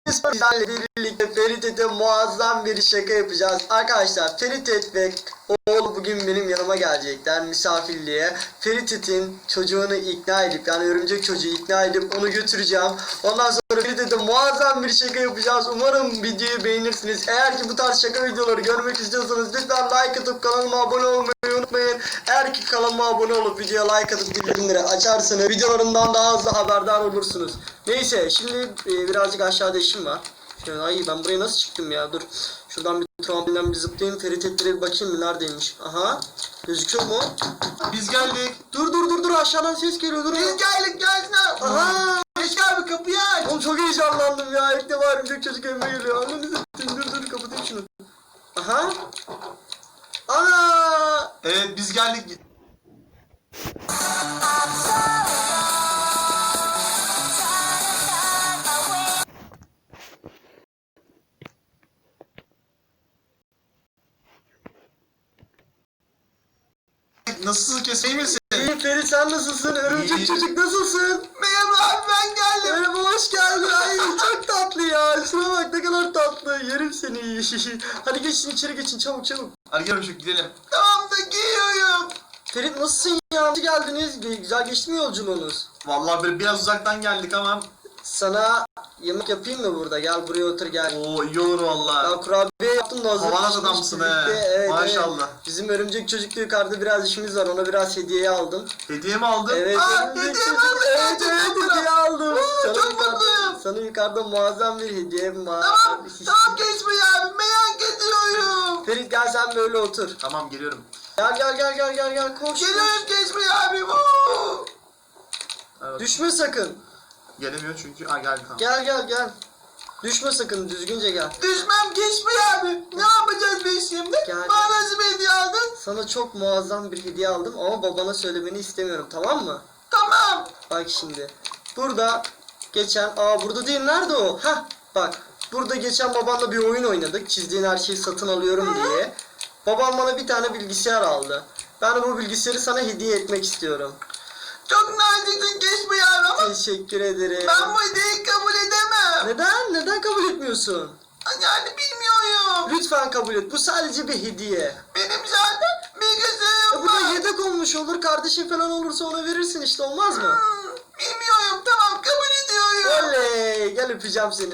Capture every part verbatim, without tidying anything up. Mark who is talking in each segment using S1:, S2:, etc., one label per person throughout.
S1: sizlerle birlikte Ferit muazzam bir şaka yapacağız. Arkadaşlar Ferit ve oğlu bugün benim yanıma gelecekler misafirliğe. Ferit'in çocuğunu ikna edip, yani örümcek çocuğu ikna edip onu götüreceğim. Ondan sonra Ferit'e muazzam bir şaka yapacağız. Umarım videoyu beğenirsiniz. Eğer ki bu tarz şaka videoları görmek istiyorsanız lütfen like atıp kanalıma abone olmayı unutmayın. Eğer ki kanalıma abone olup videoya like atıp bildirimleri açarsanız videolarımdan daha hızlı haberdar olursunuz. Neyse, şimdi e, birazcık aşağıda işim var. Şöyle, ay ben buraya nasıl çıktım ya, dur. Şuradan bir trampolinden bir zıplayayım, Ferit Etler'e bir bakayım mı, neredeymiş. Aha, gözüküyor mu?
S2: Biz geldik.
S1: Dur dur dur dur, aşağıdan ses geliyor, dur.
S2: Biz geldik, gelsin abi.
S1: Aha.
S2: Geç abi, kapıyı aç.
S1: Oğlum çok heyecanlandım ya, ilk defa örümcek çocuk evime geliyor. Ananı satayım, dur dur kapatayım şunu. Aha. Ana.
S2: Evet, biz geldik. Nasılsın, kesin misin?
S1: İyi Ferit, sen nasılsın? Örümcek
S2: İyi.
S1: çocuk nasılsın?
S2: Merhaba abi, ben geldim.
S1: Merhaba, hoş geldin. Ay çok tatlı ya. Şuna bak ne kadar tatlı. Yerim seni. Hadi geçin içeri, geçin çabuk çabuk.
S2: Hadi gel şu gidelim. Tamam da giyiyorum.
S1: Ferit nasılsın ya? Nasıl geldiniz? Güzel geçti mi yolculuğunuz?
S2: Vallahi böyle biraz uzaktan geldik ama.
S1: Sana yemek yapayım mı burada? Gel buraya otur gel.
S2: Oo, iyi olur vallahi.
S1: Ya kurabiye yaptım da hazır.
S2: Havalar adamsın he.
S1: Evet,
S2: Maşallah.
S1: Evet. Bizim örümcek çocukla yukarıda biraz işimiz var. Ona biraz hediye aldım.
S2: Hediye mi aldın?
S1: Evet,
S2: Aa,
S1: örümcek
S2: hediye
S1: çocuk.
S2: mi aldın?
S1: Evet, evet,
S2: Çok
S1: hediye aldım.
S2: Oo,
S1: Sana
S2: çok
S1: yukarıda-
S2: mutluyum.
S1: Sana yukarıda muazzam bir hediyem var.
S2: Tamam, tamam geçme abi, merak ediyorum.
S1: Ferit gel sen böyle otur.
S2: Tamam, geliyorum.
S1: Gel gel gel gel gel gel koş.
S2: Geliyorum, geçme abi. Woo. Evet.
S1: Düşme sakın.
S2: Gelemiyor çünkü. Aa, geldi tamam.
S1: Gel gel gel. Düşme sakın, düzgünce gel.
S2: Düşmem, geçme abi. Ne yapacağız biz şimdi?
S1: Gel.
S2: Bana nasıl bir hediye aldın?
S1: Sana çok muazzam bir hediye aldım ama babana söylemeni istemiyorum, tamam mı?
S2: Tamam.
S1: Bak şimdi. Burada geçen, aa burada değil, nerede o? Hah bak. Burada geçen babanla bir oyun oynadık. Çizdiğin her şeyi satın alıyorum diye. Babam bana bir tane bilgisayar aldı. Ben de bu bilgisayarı sana hediye etmek istiyorum.
S2: Çok naziksin, geçme abi ama
S1: Teşekkür ederim.
S2: ben bu hediyeyi kabul edemem.
S1: Neden? Neden kabul etmiyorsun?
S2: Yani bilmiyorum.
S1: Lütfen kabul et. Bu sadece bir hediye.
S2: Benim zaten
S1: E
S2: bilgisayarım
S1: bu da
S2: var.
S1: yedek olmuş olur. Kardeşin falan olursa ona verirsin işte, olmaz mı?
S2: Hmm, bilmiyorum, tamam kabul ediyorum.
S1: Oley! Gel öpeceğim seni.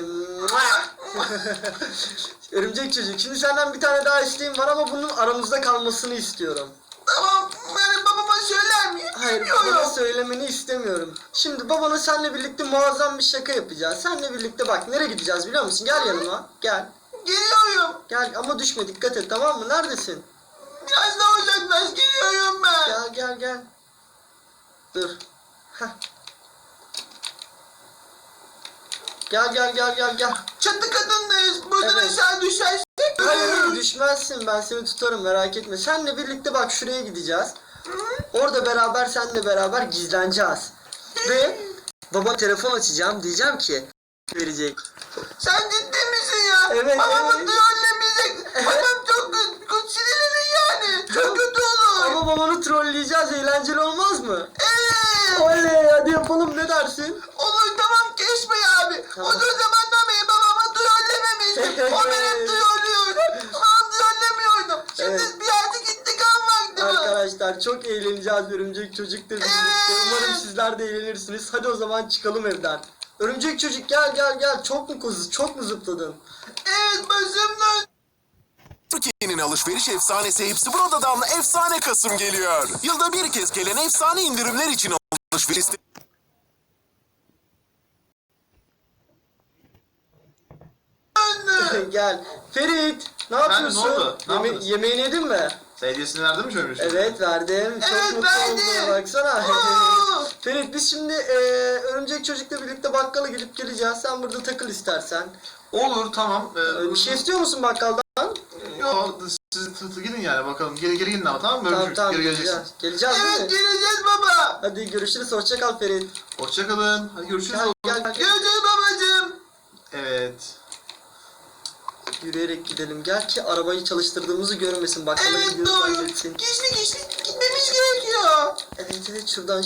S1: Örümcek çocuk. Şimdi senden bir tane daha isteğim var ama bunun aramızda kalmasını istiyorum.
S2: Tamam, yani babama söyler miyim?
S1: Hayır,
S2: Bilmiyorum.
S1: babana söylemeni istemiyorum. Şimdi babana seninle birlikte muazzam bir şaka yapacağız. Seninle birlikte bak nereye gideceğiz biliyor musun? Gel yanıma. Gel.
S2: Geliyorum.
S1: Gel ama düşme, dikkat et, tamam mı? Neredesin?
S2: Biraz daha uzaklaş, geliyorum ben.
S1: Gel gel gel. Dur. Heh. Gel gel gel gel gel.
S2: Çatı katındayız. Buradan
S1: Evet.
S2: aşağı düşersek.
S1: Hayır hayır, düşmezsin, ben seni tutarım, merak etme. Seninle birlikte bak şuraya gideceğiz. Orada beraber seninle beraber gizleneceğiz. Ve baba telefon açacağım, diyeceğim ki verecek.
S2: Sen ciddi misin ya?
S1: Evet,
S2: Babamı
S1: evet.
S2: trollemeyecek.
S1: Evet.
S2: Babam çok kötü sinirlenir yani. Çok kötü olur.
S1: Ama babanı trolleyeceğiz, eğlenceli olmaz mı?
S2: Evet.
S1: Oley, hadi yapalım, ne dersin?
S2: Olur, tamam geçme abi.
S1: Tamam.
S2: O zamandan beri babamı trollememiştim. O beni trollüyordu. Ben trollemiyordum. Şimdi
S1: Evet.
S2: bir yerde intikam vakti var.
S1: Arkadaşlar çok eğleneceğiz örümcek çocukla birlikte.
S2: Evet.
S1: Umarım sizler de eğlenirsiniz. Hadi o zaman çıkalım evden. Örümcek çocuk gel gel gel. Çok mu kuzu, çok mu zıpladın?
S2: Evet, başım döndü.
S3: Türkiye'nin alışveriş efsanesi Hepsi Burada'dan efsane Kasım geliyor. Yılda bir kez gelen efsane indirimler için alışveriş
S1: Gel. Ferit, ne
S2: Efendim,
S1: yapıyorsun?
S2: ne oldu? Ne
S1: Yeme-
S2: yapıyorsun?
S1: yemeğini yedin mi?
S2: Sen hediyesini verdin mi şöyle?
S1: Evet verdim. Çok
S2: Evet,
S1: mutlu
S2: verdim.
S1: oldum. Baksana.
S2: Oo.
S1: Ferit, biz şimdi e, örümcek çocukla birlikte bakkala gidip geleceğiz. Sen burada takıl istersen.
S2: Olur, tamam. Ee,
S1: Bir şey istiyor musun bakkaldan?
S2: Yok, siz tı tı gidin yani bakalım. Geri geri gidin ama, tamam mı?
S1: Tamam
S2: Görüşürüz.
S1: tamam
S2: Geri geleceksin.
S1: geleceğiz. Geleceğiz değil
S2: Evet,
S1: mi?
S2: geleceğiz baba.
S1: Hadi görüşürüz. Hoşça kal Ferit.
S2: Hoşçakalın. Hadi görüşürüz
S1: Gel,
S2: oğlum.
S1: gel, gel.
S2: Görüşürüz babacığım. Evet.
S1: Yürüyerek gidelim. Gel ki arabayı çalıştırdığımızı görmesin. Bakkala
S2: Evet,
S1: gidiyoruz
S2: doğru.
S1: zannetsin.
S2: Gizli gizli gitmemiz gerekiyor.
S1: Evet evet, şuradan